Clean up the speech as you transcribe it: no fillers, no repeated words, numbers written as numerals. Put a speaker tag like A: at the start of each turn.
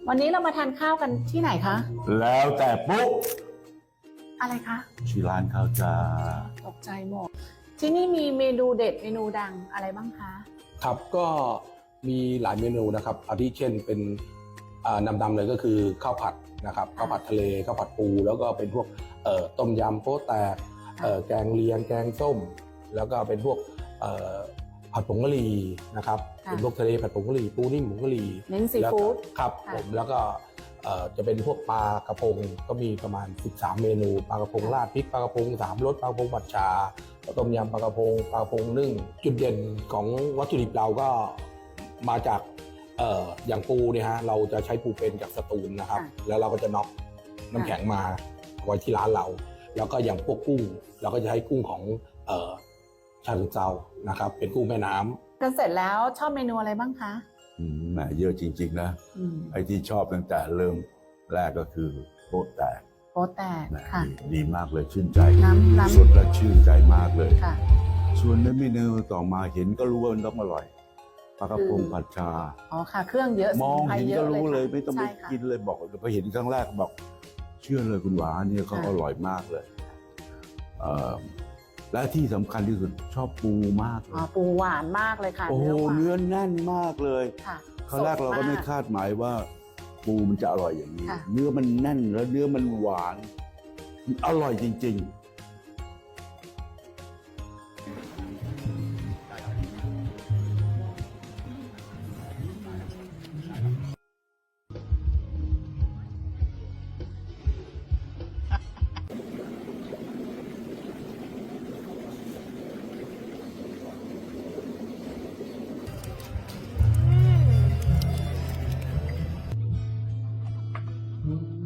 A: วันนี้เรามาทานข้าวกันที่ไหนคะ
B: แล้วแต่ปุ๊บ
A: อะไรคะ
B: ชื่อร้านเขาจะ
A: ตกใจหมด ที่นี่มีเมนูเด็ดเมนูดังอะไรบ้างคะ
C: ครับก็มีหลายเมนูนะครับอาทิเช่นเป็นนำเลยก็คือข้าวผัดนะครับข้าวผัดทะเลข้าวผัดปูแล้วก็เป็นพวกต้มยำโป๊ะแตกแกงเลียงแกงส้ม แล้วก็เป็นพวกผัดผงกะหรี่นะครับเป็นพวกทะเลผัดผงกะหรี่ปูนิ่มผงกะหรี่
A: เน้นซีฟู้ด
C: ครับผมแล้วก็จะเป็นพวกปลากระพงก็มีประมาณ13เมนูปลากระพงราดพริกปลากระพง3รสปลากระพงผัดชาต้มยำปลากระพงนึ่งจุดเด่นของวัตถุดิบเราก็มาจากอย่างปูเนี่ยฮะเราจะใช้ปูเป็นจากสตูลนะครับแล้วเราก็จะน็อกน้ำแข็งมาไว้ที่ร้านเราแล้วก็อย่างพวกกุ้งเราก็จะใช้กุ้งของชาเชิงเทรานะครับเป็นกุ้งแม่น้ำ
A: กันเสร็จแล้วชอบเมนูอะไรบ้างคะ
B: แหมเยอะจริงๆนะไอ้ที่ชอบตั้งแต่เริ่มแรกก็คือโป๊ะแตก
A: โป๊ะแตก
B: แหม
A: ค่ะ
B: ดีมากเลยชื่นใจ
A: น้ำ
B: สุดและชื่นใจมากเลย
A: ค่ะ
B: ส่วนในเมนูต่อมาเห็นก็รู้ว่ามันต้องอร่อยปลากระพงผัดชา
A: อ๋อค่ะ เครื่องเยอะ
B: มอง
A: สมุนไพร
B: เห็น
A: เย
B: ก็
A: อะ
B: รู้เลย
A: ค่ะ
B: ไม่ต้องไป
A: ใช่ค่ะ
B: กินเลยบอกพอเห็นครั้งแรกบอกเชื่อเลยคุณหวานเนี่ยเขา
A: ค่ะ
B: อร่อยมากเลยและที่สำคัญที่สุดชอบปูมากเล
A: อ๋อย ปูหวานมากเลยค่ะ
B: โอ้โห
A: หวาน
B: เนื้อแน่นมากเลย
A: ค่ะ
B: ครั้งแรกเราก็ไม่
A: สด
B: คาดหมายว่าปูมันจะอร่อยอย่างนี้
A: ค่ะ
B: เนื้อมันแน่นแล้วเนื้อมันหวานอร่อยจริง ๆ
A: อ